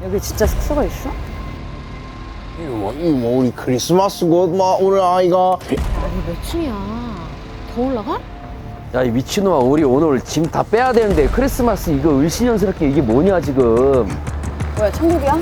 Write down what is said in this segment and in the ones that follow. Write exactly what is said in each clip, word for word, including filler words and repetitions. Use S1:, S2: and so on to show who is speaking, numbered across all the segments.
S1: 여기 진짜 숙소가 있어?
S2: 이거 뭐, 이거 뭐 우리 크리스마스고 막 오늘 아이가
S1: 아니 몇 층이야? 더 올라가?
S3: 야, 이 미친놈아, 우리 오늘 짐 다 빼야 되는데 크리스마스 이거 을씨년스럽게 이게 뭐냐 지금.
S1: 뭐야 천국이야?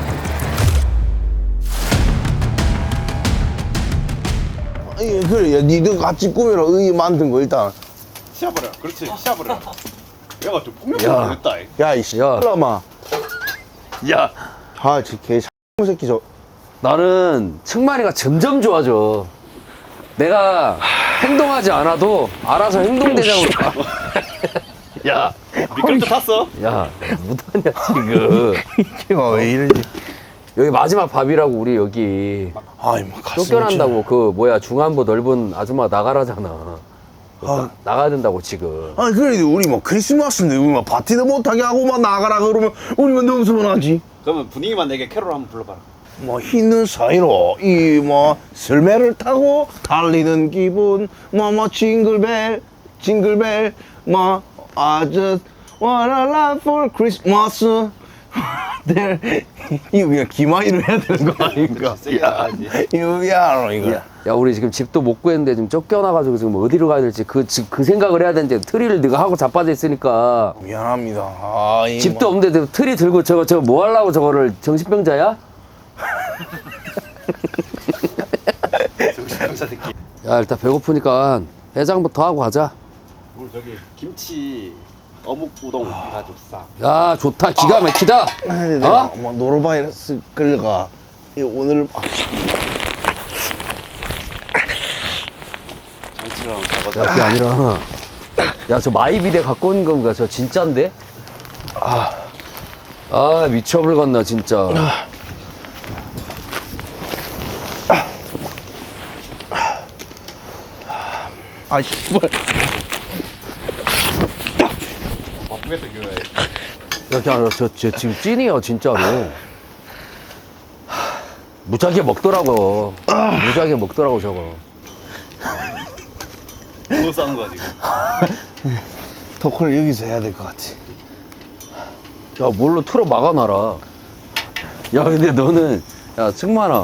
S2: 예, 그래 야, 니들 같이 꾸며라 의 만든 거 일단
S4: 시합을 해. 그렇지, 시합을 해. 얘가 좀
S3: 야.
S4: 폭력적으로 됐다. 이.
S2: 야이 씨발라마
S3: 야,
S2: 아저개 새끼 저
S3: 나는 승만이가 점점 좋아져. 내가 행동하지 않아도 알아서 행동대장으로. 야,
S4: 미끄럼틀 탔어?
S3: 야, 못하냐 지금.
S2: 걔가 왜 이러지
S3: 여기 마지막 밥이라고 우리 여기
S2: 아이 뭐 가슴이
S3: 쫓겨난다고 그 뭐야 중안부 넓은 아줌마 나가라잖아.
S2: 아.
S3: 나, 나가야 된다고 지금.
S2: 아니 그래도 우리 뭐 크리스마스인데 우리 뭐 파티도 못하게 하고 막 나가라 그러면 우리만 너무 서운하지
S4: 그러면 분위기만 내게 캐롤 한번 불러봐라.
S2: 뭐 힘든 사이로 이 뭐 설매를 타고 달리는 기분 뭐뭐 징글벨 징글벨 뭐 I just wanna love for Christmas there 이거 그냥 기마이로 해야 되는 거 아닌가?
S4: 세게 나가야지.
S2: 이거 미안해 이거
S3: 야, 우리 지금 집도 못 구했는데 지금 쫓겨나가지고 지금 어디로 가야 될지 그, 지- 그 생각을 해야 되는데 트리를 네가 하고 자빠져 있으니까
S2: 미안합니다. 아, 이
S3: 집도
S2: 뭐.
S3: 없는데 트리 들고 저거 저거 뭐 하려고 저거를 정신병자야?
S4: 정신병자 새끼.
S3: 야, 일단 배고프니까 해장부터 하고 가자.
S4: 우리 저기 김치 어묵 우동 해가지고 싸.
S3: 야, 좋다. 기가 막히다.
S2: 아니,
S3: 어?
S2: 내가 뭐 노로바이러스 끌려가. 이 오늘 아,
S4: 정치랑
S3: 야,
S4: 잡아서.
S3: 그게 아니라 야, 저 마이비데 갖고 온 건가? 저 진짠데? 아, 아 미쳐버렸나 진짜.
S2: 아 씨발.
S4: 바쁘겠다 교회.
S3: 야, 그냥 저, 저 지금 찐이야 진짜로. 무지하게 먹더라고. 무지하게 먹더라고 저거.
S4: 뭐 싸는 거야 지금?
S2: 토크를 여기서 해야 될 것 같아.
S3: 야, 뭘로 틀어 막아놔라. 야, 근데 너는 야 승만아,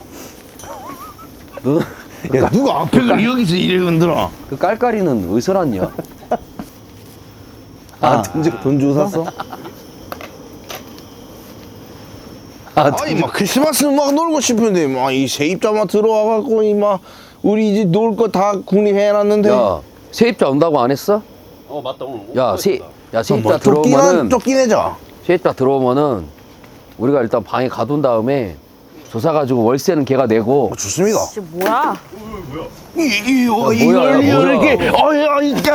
S3: 너는
S2: 야 누가 앞에를 여기서 이래 흔들어?
S3: 그 깔깔이는 어디서 났냐? 아, 돈 주고
S2: 돈 주고 샀어?
S3: 아,
S2: 아니 막 크리스마스 막 놀고 싶은데 막 이 세입자만 들어와갖고 이 막 우리 이제 놀 거 다 국립해놨는데.
S3: 야, 세입자 온다고 안 했어?
S4: 어 맞다 오늘. 옷
S3: 야, 세,
S4: 입었다.
S3: 야 세입자
S2: 뭐 쫓기나
S3: 들어오면은
S2: 쫓기내자.
S3: 세입자 들어오면은 우리가 일단 방에 가둔 다음에 조사 가지고 월세는 걔가 내고.
S2: 어, 좋습니다.
S1: 진짜 뭐야?
S2: 이이 어,
S3: 야, 뭐야, 야,
S2: 이걸
S3: 뭐야.
S2: 이렇게 어야 이게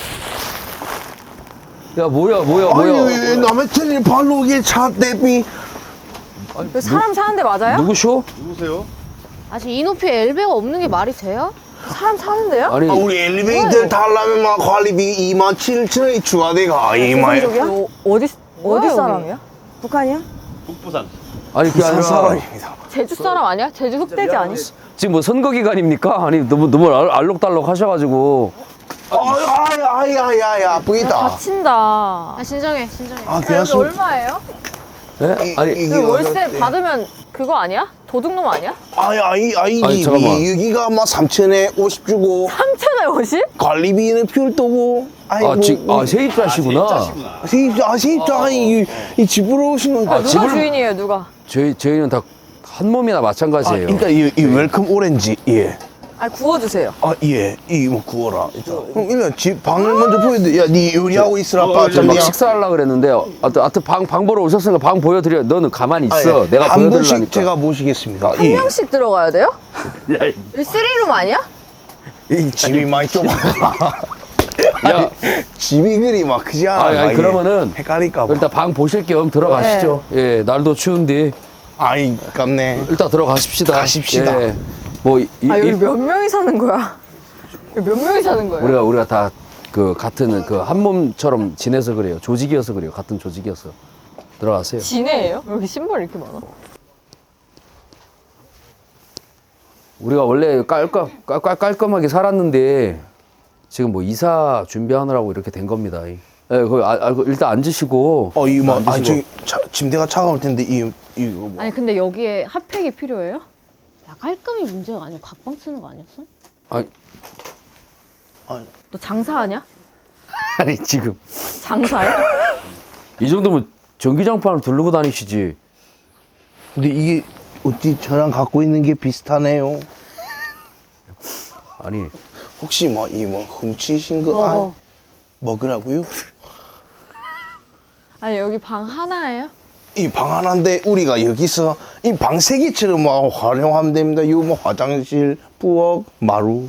S3: 야, 뭐야, 뭐야,
S2: 아니
S3: 뭐야?
S2: 왜 남의 천일 발로 이게 차 대비.
S1: 여기 사람 사는데 맞아요?
S3: 누구쇼?
S4: 누구세요?
S1: 아직 이 높이에 엘베가 없는 게 말이 돼요? 사람 사는데요?
S3: 아니,
S2: 아, 우리 엘리베이터 타려면 막 관리비 이만 칠천 원이 추가돼가 이만.
S1: 어, 어디 어디 사람이야? 북한이야?
S4: 북부산.
S3: 아니 그게 아니라
S2: 사람입니다.
S1: 제주 사람 아니야? 제주 흑돼지 아니?
S3: 지금 뭐 선거 기간입니까? 아니 너무 너무 알- 알록달록 하셔가지고.
S2: 아이 아이 아이 아이 아프겠다.
S1: 다친다. 아, 진정해, 진정해.
S2: 아,
S1: 여기
S2: 그냥 숨-
S1: 얼마예요?
S3: 예? 아니
S2: 이게
S1: 그 월세
S2: 어떻게-
S1: 받으면 그거 아니야? 도둑놈 아니야?
S2: 아이 아이 아이
S3: 아니,
S2: 이
S3: 잠깐만.
S2: 여기가 막 삼천에 오십 주고
S1: 삼천에 오십?
S2: 관리비는 별도고. 아이고.
S3: 아, 지, 아 세입자시구나.
S4: 짜시구나.
S2: 세입자 아 세입자 아니 이, 이 집으로 오신 건가?
S3: 아,
S1: 누가
S3: 집을-
S1: 주인이에요, 누가?
S3: 저희 저희는 다 한 몸이나
S2: 아,
S3: 마찬가지예요.
S2: 일단 이, 이 웰컴 오렌지 예.
S1: 아, 구워주세요.
S2: 아 예. 이뭐 구워라. 일단. 그럼 일단 집 방을 먼저 보여드. 야네 요리하고 있으라.
S4: 어,
S2: 빠
S4: 예,
S3: 저 막
S2: 야
S3: 식사하려고 그랬는데 하여튼 하여튼 방, 방 보러 오셨으니까 방 보여드려. 너는 가만히
S2: 아,
S3: 있어.
S2: 예.
S3: 내가
S2: 한 분씩
S3: 보여드리려니까.
S2: 제가 모시겠습니다.
S1: 한
S2: 예.
S1: 명씩 들어가야 돼요?
S3: 야,
S1: 이 쓰리룸 아니야?
S2: 이 집이 많이 좁아.
S3: 야,
S2: 집이 그리 막 크지 않아.
S3: 아니, 아니, 그러면은
S2: 헷갈릴까 봐.
S3: 일단 방 보실 겸 들어가시죠. 예, 날도 추운데
S2: 아이 깝네.
S3: 일단 들어가십시다.
S2: 가십시다.
S3: 예. 뭐 이,
S1: 아, 여기
S3: 이-
S1: 몇 명이 사는 거야? 여기 몇 명이 사는 거예요?
S3: 우리가 우리가 다 그 같은 그 한 몸처럼 지내서 그래요. 조직이어서 그래요. 같은 조직이어서 들어가세요.
S1: 지네예요? 여기 신발 이렇게 많아?
S3: 우리가 원래 깔끔 깔, 깔끔하게 살았는데 지금 뭐 이사 준비하느라고 이렇게 된 겁니다. 예, 거기 아, 아, 그 일단 앉으시고.
S2: 어, 이 뭐, 아,
S3: 앉으시고.
S2: 저기 차, 침대가 차가울 텐데 이 이거 뭐.
S1: 아니 근데 여기에 핫팩이 필요해요? 야 깔끔이 문제가 아니고 각방 쓰는 거 아니었어?
S3: 아니,
S2: 아니,
S1: 너 장사하냐?
S3: 아니 지금
S1: 장사야?
S3: 이 정도면 전기장판을 두르고 다니시지.
S2: 근데 이게 어찌 저랑 갖고 있는 게 비슷하네요.
S3: 아니,
S2: 혹시 뭐 이 뭐 훔치신 거
S1: 뭐,
S2: 아,
S1: 뭐.
S2: 먹으라고요?
S1: 아니 여기 방 하나예요?
S2: 이 방 하나인데 우리가 여기서 이 방 세 개처럼 뭐 활용하면 됩니다. 요 뭐 화장실, 부엌, 마루.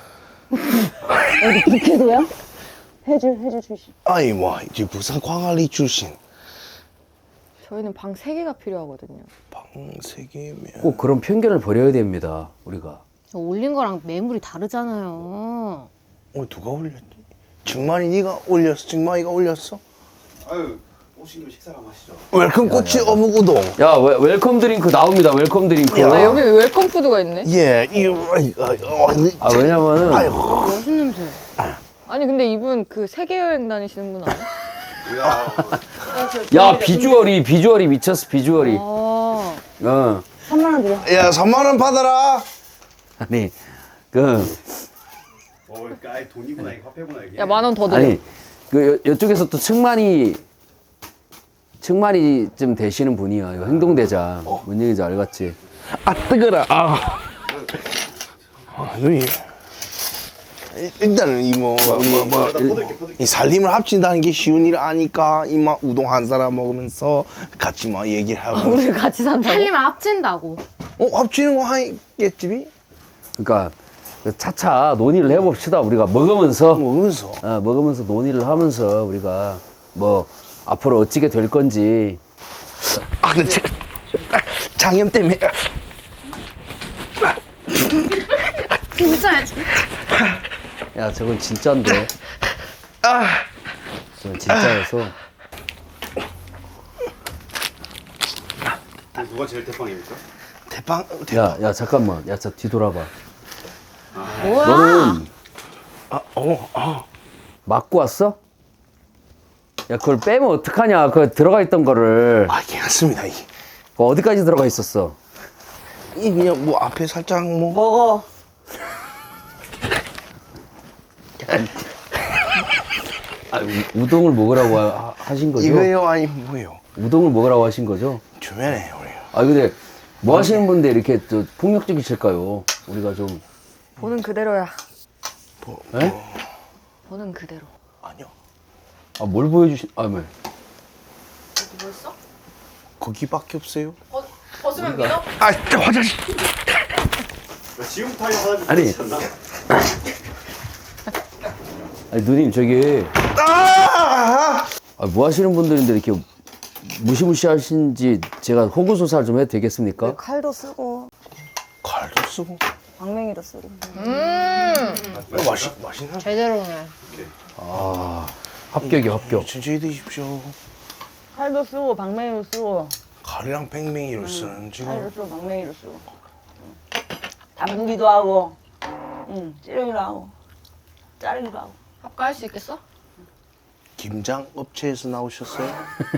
S1: 여기 국회도요? 해줄 해줄 출신.
S2: 아이 뭐 이제 부산 광안리 출신.
S1: 저희는 방 세 개가 필요하거든요.
S2: 방 세 개면
S3: 꼭 그런 편견을 버려야 됩니다. 우리가.
S1: 저 올린 거랑 매물이 다르잖아요.
S2: 어 누가 올렸지? 정만이 네가 올렸어? 정만이가 올렸어?
S4: 아유 오신 김에 식사를 한번 하시죠.
S2: 웰컴 꼬치 어묵 우동.
S3: 야, 웰, 웰컴 드링크 나옵니다. 웰컴 드링크.
S2: 야.
S1: 아, 여기 웰컴 푸드가 있네.
S2: 예, 이거 아이, 아이, 어, 이-
S3: 아, 왜냐면은
S2: 아이고.
S1: 무슨 냄새? 아니 근데 이분 그 세계 여행 다니시는 분 아니야?
S3: 야, 비주얼이 비주얼이 미쳤어. 비주얼이.
S1: 아,
S3: 어.
S2: 야, 삼만 원 받아라.
S3: 아니, 그
S4: 어, 그러니까 아예 돈이구나 이게 화폐구나 이게.
S1: 야 만 원 더 드려.
S3: 아니, 그 여, 이쪽에서 또 측만이 측만이 좀 되시는 분이야. 이거 행동대장. 뭔 얘기인지 알겠지?
S2: 아, 뜨거라. 아. 아, 여기. 일단은 이 뭐, 뭐, 뭐, 이 살림을 합친다는 게 쉬운 일 아니까 이마 우동 한 사람 먹으면서 같이 막 얘기를 하고.
S1: 우리 같이 산다고? 살림을 합친다고.
S2: 어, 합치는 거 하겠지?
S3: 그러니까 차차 논의를 해봅시다. 우리가 먹으면서
S2: 먹으면서.
S3: 어, 먹으면서 논의를 하면서 우리가 뭐 앞으로 어찌게 될 건지.
S2: 아, 근데 자, 아, 장염 때문에.
S1: 진짜.
S3: 야, 저건 진짜인데. 저건 진짜여서.
S4: 누가 제일 대빵입니까?
S2: 대빵, 대빵.
S3: 야, 야, 잠깐만. 야, 저 뒤돌아봐.
S1: 뭐야?
S3: 너는
S2: 아, 어, 아.
S3: 맞고 왔어? 야, 그걸 빼면 어떡하냐. 그 들어가 있던 거를.
S2: 아, 괜찮습니다. 이,
S3: 그 어디까지 들어가 있었어?
S2: 이 그냥 뭐 앞에 살짝 뭐.
S1: 먹어.
S3: 아, 우, 우동을 먹으라고 하, 하신 거죠?
S2: 이거요? 아니, 뭐요?
S3: 우동을 먹으라고 하신 거죠?
S2: 주변에, 우리.
S3: 아, 근데 뭐 하시는 분데 이렇게 또 폭력적이실까요? 우리가 좀.
S1: 보는 그대로야.
S2: 뭐,
S3: 에?
S2: 뭐,
S1: 보는 그대로.
S2: 아니요.
S3: 아, 뭘 보여주신, 아, 뭐.
S1: 뭐였어?
S2: 거기밖에 없어요.
S1: 어, 벗으면 믿어?
S2: 아, 화장실.
S4: 지금부터 하려고 하지
S3: 아니.
S4: 않나?
S3: 아니, 누님, 저기.
S2: 아!
S3: 아, 뭐 하시는 분들인데 이렇게 무시무시하신지 제가 호구조사를 좀 해도 되겠습니까?
S5: 칼도 쓰고
S2: 칼도 쓰고.
S5: 방맹이도 쓰고
S1: 음.
S2: 어, 맛있, 맛있나?
S1: 제대로네.
S3: 아, 합격이요, 합격.
S2: 천천히 드십시오.
S5: 칼도 쓰고 방맹이도 쓰고
S2: 칼이랑 팽팽이를 쓰는 지금.
S5: 칼도 쓰고 방맹이도 쓰고 담그기도 하고 응 찌르기도 하고 자르기도 하고
S1: 합가할 수 있겠어?
S2: 김장 업체에서 나오셨어요?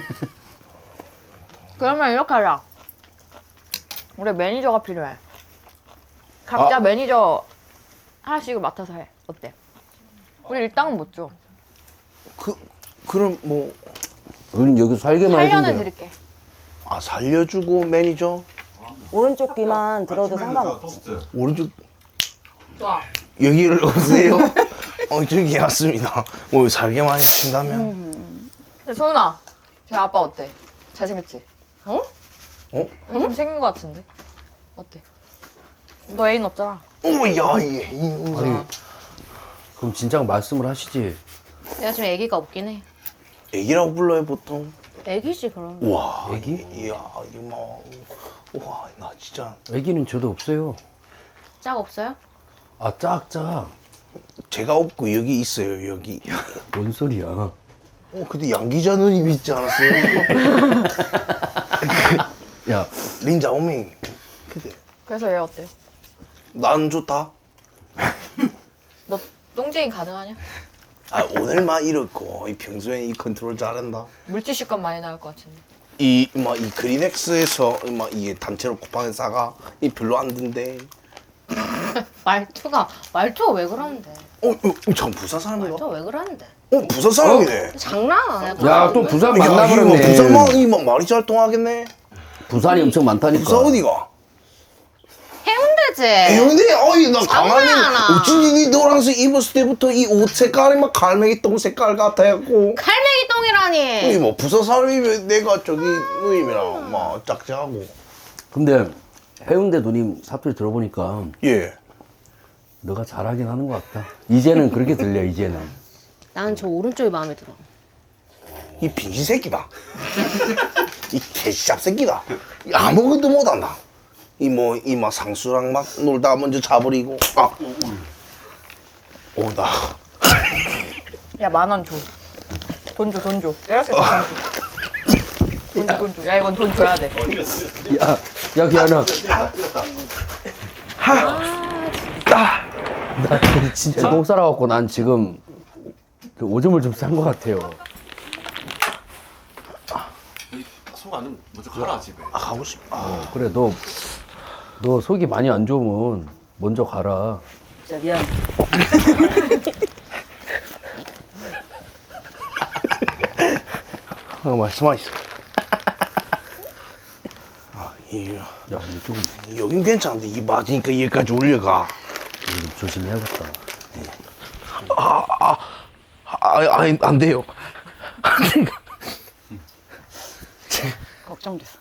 S1: 그러면 이렇게 하자. 우리 매니저가 필요해. 각자
S3: 아.
S1: 매니저 하나씩 맡아서 해. 어때? 우리 일당은 못 줘.
S2: 그, 그럼 뭐,
S3: 우리는 여기서 살게만
S1: 팔 년은
S3: 해준대요.
S1: 드릴게.
S2: 아, 살려주고 매니저?
S5: 오른쪽 귀만 들어도 상관없지
S2: 오른쪽,
S1: 좋아.
S2: 여기를 오세요? 어, 저기 왔습니다. 뭐, 살게만 해주신다면?
S1: 근데 소은아, 쟤 아빠 어때? 잘생겼지? 어?
S2: 어?
S1: 좀 생긴 것 같은데? 어때? 너 애인 없잖아.
S2: 오, 야, 이, 이,
S3: 아니, 그럼 진작 말씀을 하시지.
S1: 내가 지금 애기가 없긴 해.
S2: 애기라고 불러요, 보통?
S1: 애기지 그럼.
S2: 우와.
S3: 애기?
S2: 이야, 이거 뭐, 우와, 나 진짜.
S3: 애기는 저도 없어요.
S1: 짝 없어요?
S3: 아, 짝짝.
S2: 제가 없고 여기 있어요, 여기.
S3: 뭔 소리야.
S2: 어, 근데 양 기자 누님 있지 않았어요?
S3: 야,
S2: 린자 오밍. 근데
S1: 그래서 얘 어때?
S2: 난 좋다.
S1: 너 똥쟁이 가능하냐?
S2: 아 오늘만 이렇고 이 평소에 이 컨트롤 잘한다.
S6: 물티슈값 많이 나올 것 같은데.
S2: 이 뭐 이 그린엑스에서 뭐 이게 단체로 쿠팡에 사가 이 별로 안 든대.
S6: 말투가 말투가 왜 그러는데?
S2: 어, 어, 참 부산 사람이가?
S6: 말투가 왜 그러는데?
S2: 어, 부산 사람이네.
S6: 장난 아니야.
S3: 야, 또 부산
S2: 야, 이거
S3: 만나버렸네.
S2: 부산만 이뭐 말이 잘 통하겠네.
S3: 부산이 엄청 많다니까.
S2: 부산 어디가?
S6: 해운대지.
S2: 해운대 어이 나 가만히
S6: 장난하나.
S2: 어쩐지 니 노란색 입었을 때부터 이 옷 색깔이 막 갈매기 똥 색깔 같아갖고.
S6: 갈매기 똥이라니.
S2: 이뭐 부산 사람이면 내가 저기 누님이랑 막 짝짝하고.
S3: 근데 해운대 누님 사투리 들어보니까
S2: 예.
S3: 너가 잘하긴 하는 것 같다. 이제는 그렇게 들려, 이제는.
S1: 나는 저 오른쪽이 마음에 들어.
S2: 이 빙신 새끼다. 이 개샵 새끼다. 이 아무것도 못한다. 이 뭐 이 막 상수랑 막 놀다 먼저 자버리고. 아. 오다.
S6: 야, 만 원 줘. 돈 줘, 돈 줘. 이렇게 돈 줘. 돈 줘, 돈 줘. 야, 이건 돈 줘야 돼.
S3: 야, 야, 기아나. 나 진짜 똥 싸라갖고 난 지금 그 오줌을 좀 싼 것 같아요.
S4: 속안 먼저 가라 집에.
S2: 아 가고 싶. 아.
S3: 어, 그래, 너, 너 속이 많이 안 좋으면 먼저 가라.
S5: 진짜 미안.
S2: 어, 말씀하시오. 아, 이,
S3: 야, 근데 조금,
S2: 여긴 괜찮은데 이 맞으니까 여기까지 올려가.
S3: 좀 조심해야겠다.
S2: 아, 아, 아, 안 돼요. 안 돼요.
S5: 걱정됐어.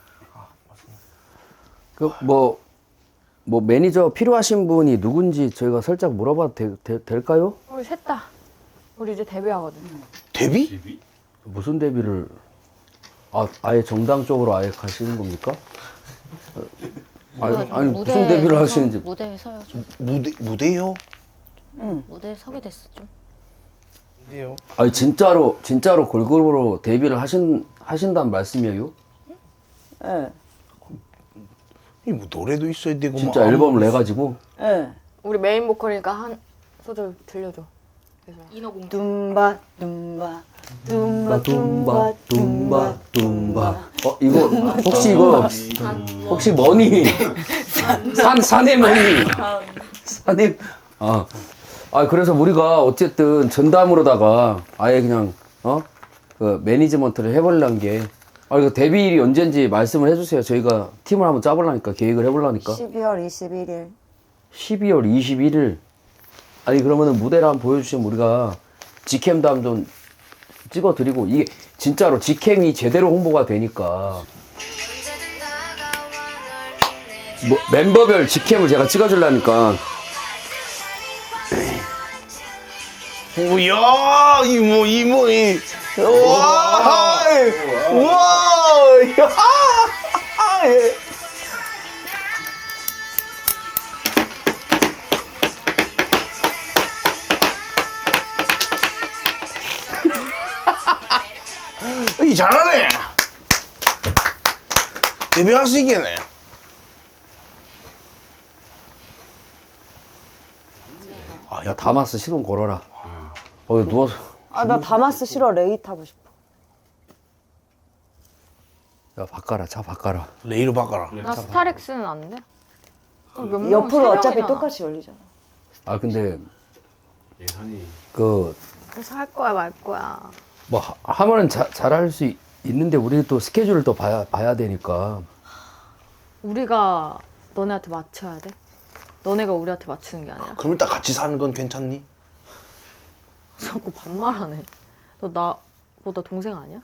S3: 그, 뭐, 뭐, 매니저 필요하신 분이 누군지 저희가 살짝 물어봐도 되, 되, 될까요?
S6: 우리 셋 다. 우리 이제 데뷔하거든.
S2: 데뷔?
S3: 무슨 데뷔를, 아, 아예 정당 쪽으로 아예 가시는 겁니까? 어, 아니, 아니 무슨 데뷔를 하시는지.
S1: 무대에 서요 좀.
S2: 무대 무대요?
S1: 무대에 서게 됐어 좀.
S2: 무대요.
S3: 아니, 진짜로, 진짜로 걸그룹으로 데뷔를 하신, 하신다는 말씀이에요?
S5: 예.
S2: 이 뭐 노래도 있어야 되고
S3: 진짜
S2: 막
S3: 앨범을 내가지고?
S5: 예.
S6: 우리 메인 보컬이니까 한 소절 들려줘. 인어공주.
S5: 둠바 둠바 둠바
S3: 둠바, 둠바, 둠바. 어, 이거, 혹시 이거, 혹시 머니? 산, 산의 머니. 산의, 아. 아, 그래서 우리가 어쨌든 전담으로다가 아예 그냥, 어? 그 매니지먼트를 해보려는 게, 아, 이거 데뷔일이 언제인지 말씀을 해주세요. 저희가 팀을 한번 짜보려니까, 계획을 해보려니까.
S5: 십이월 이십일일.
S3: 십이월 이십일일. 아니, 그러면은 무대를 한번 보여주시면 우리가 직캠도 한번 찍어드리고, 이게 진짜로 직캠이 제대로 홍보가 되니까. 뭐, 멤버별 직캠을 제가 찍어주려니까.
S2: 오야 이모 이모 이 와, 와, 야, 예. 이 잘하네. 데뷔할 수 있겠네.
S3: 아, 야, 다마스 시동 걸어라. 어, 이거 누워서.
S5: 아, 나 다마스 싫어. 레이 타고 싶어.
S3: 야, 바꿔라, 차 바꿔라.
S2: 레이로 바꿔라.
S6: 나 스타렉스는 안 돼? 어, 몇 명?
S5: 옆으로
S6: 세
S5: 어차피
S6: 명이잖아.
S5: 똑같이 열리잖아.
S3: 아, 근데,
S4: 예산이
S3: 그,
S6: 그래서 할 거야 말 거야.
S3: 뭐, 하- 하면은 자, 잘할 수 있- 있는데, 우리 또 스케줄을 또 봐야, 봐야 되니까.
S6: 우리가 너네한테 맞춰야 돼? 너네가 우리한테 맞추는 게 아니라.
S2: 그럼 일단 같이 사는 건 괜찮니?
S6: 자꾸 반말하네. 너 나보다 동생 아니야?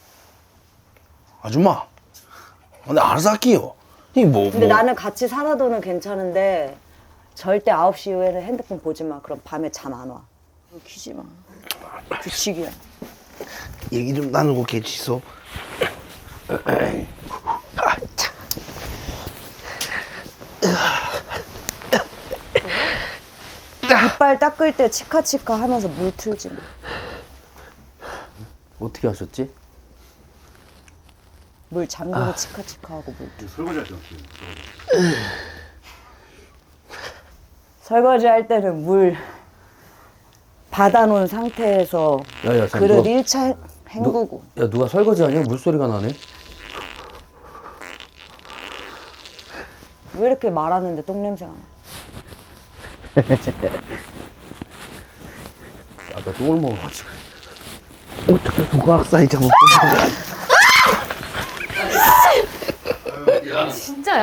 S2: 아줌마. 근데 알아서 할게요. 이 뭐,
S5: 근데
S2: 뭐.
S5: 나는 같이 살아도는 괜찮은데 절대 아홉 시 이후에는 핸드폰 보지 마. 그럼 밤에 잠 안 와. 키지 마. 규칙이야.
S2: 얘기 좀 나누고 계시소. 아, 참.
S5: 이빨 닦을 때 치카치카 하면서 물 틀지 마.
S3: 어떻게 하셨지?
S5: 물 잠그고 치카치카 하고 물 틀.
S4: 설거지 할때 어떻게?
S5: 설거지 할 때는 물 받아놓은 상태에서
S3: 야, 야, 자,
S5: 그릇
S3: 누가,
S5: 일 차 헹구고.
S3: 야, 누가 설거지 하냐? 물소리가 나네.
S5: 왜 이렇게 말하는데 똥냄새가 나?
S3: 아까 똥을 먹어가지고.
S2: 어떻게 누가 악사이 잡고
S1: 진짜야?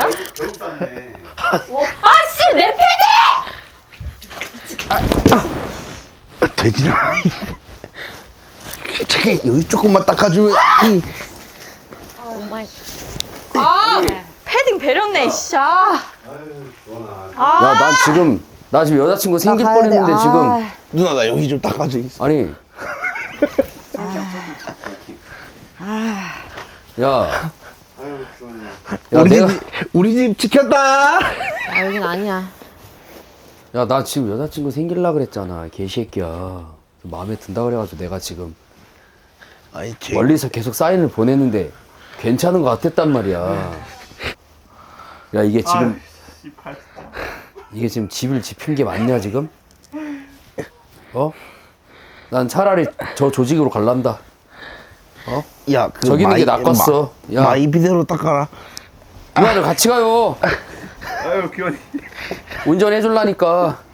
S2: 돼지나 저기 여기 조금만 닦아주면 이.
S1: 오마이.
S6: 패딩 배렸네, 씨. 아.
S3: 야, 난 지금, 나 지금 여자친구 생길
S5: 나 가야 돼.
S3: 뻔했는데
S5: 아,
S3: 지금.
S2: 누나 나 여기 좀 닦아줘 있어.
S3: 아니. 야. 야,
S2: 우리
S3: 내가.
S2: 집 우리 집 지켰다.
S1: 아, 여긴 아니야.
S3: 야, 나 지금 여자친구 생길라 그랬잖아. 개새끼야. 마음에 든다 그래가지고 내가 지금
S2: 아니 제
S3: 멀리서 계속 사인을 보냈는데 괜찮은 것 같았단 말이야. 야, 이게 지금 이게 지금 집을 지핀 게 맞냐 지금? 어? 난 차라리 저 조직으로 갈란다.
S2: 야, 그
S3: 저기는 게 낚았어.
S2: 마,
S3: 야.
S2: 마이비데로 닦아라.
S3: 누나들 같이 가요.
S4: 아유 귀여워.
S3: 운전해 줄라니까.